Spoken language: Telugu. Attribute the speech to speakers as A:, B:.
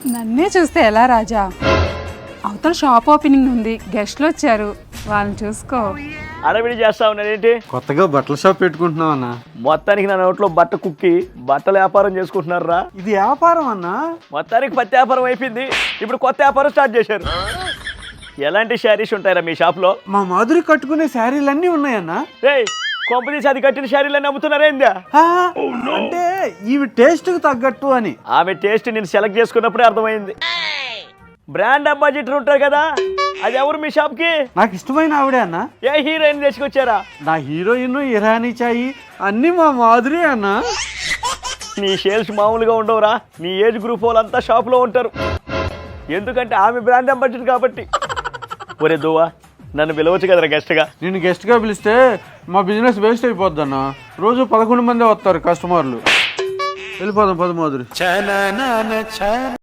A: నన్నే చూస్తే ఎలా రాజా? అవతల షాప్ ఓపెనింగ్ ఉంది, గెస్ట్లు వచ్చారు, వాళ్ళని చూసుకో.
B: అడవిడి చేస్తా ఉన్నాడేంటి?
C: కొత్తగా బట్టల షాప్ పెట్టుకుంటున్నావు అన్న.
B: మొత్తానికి నా నోట్లో బట్ట కుక్కి బట్టల వ్యాపారం చేసుకుంటున్నారా?
C: ఇది వ్యాపారం అన్నా.
B: మొత్తానికి పత్తి వ్యాపారం అయిపోయింది, ఇప్పుడు కొత్త వ్యాపారం స్టార్ట్ చేశారు. ఎలాంటి శారీస్ ఉంటాయరా మీ షాప్లో?
C: మా మాధురి కట్టుకునే శారీలన్నీ ఉన్నాయన్నా.
B: రేయ్, కొంపదీసి అది కట్టిన శారీలన్నీ అమ్ముతున్నారేందా?
C: అంటే ఇవి టేస్ట్ కు తగ్గట్టు అని.
B: ఆమె టేస్ట్ నేను సెలెక్ట్ చేసుకున్నప్పుడే అర్థమైంది. బ్రాండ్ అంబాసిడర్ ఉంటారు కదా, అది ఎవరు మీ షాప్ కి?
C: నాకు ఇష్టమైన ఆవిడే అన్న.
B: ఏ హీరోయిన్ తీసుకొచ్చారా?
C: నా హీరోయిన్ ఇరానీ చాయి అన్ని మా మాధురి అన్న.
B: నీ సేల్స్ మామూలుగా ఉండవురా. నీ ఏజ్ గ్రూప్ వాళ్ళంతా షాప్ లో ఉంటారు, ఎందుకంటే ఆమె బ్రాండ్ అంబాసిడర్ కాబట్టి. ఒరే దువ్వా, నన్ను పిలవచ్చు కదరా గెస్ట్ గా?
C: నేను గెస్ట్ గా పిలిస్తే మా బిజినెస్ వేస్ట్ అయిపోద్ది అన్న. రోజు 11 మంది వస్తారు కస్టమర్లు. వెళ్ళిపోదాం పద మాధురి.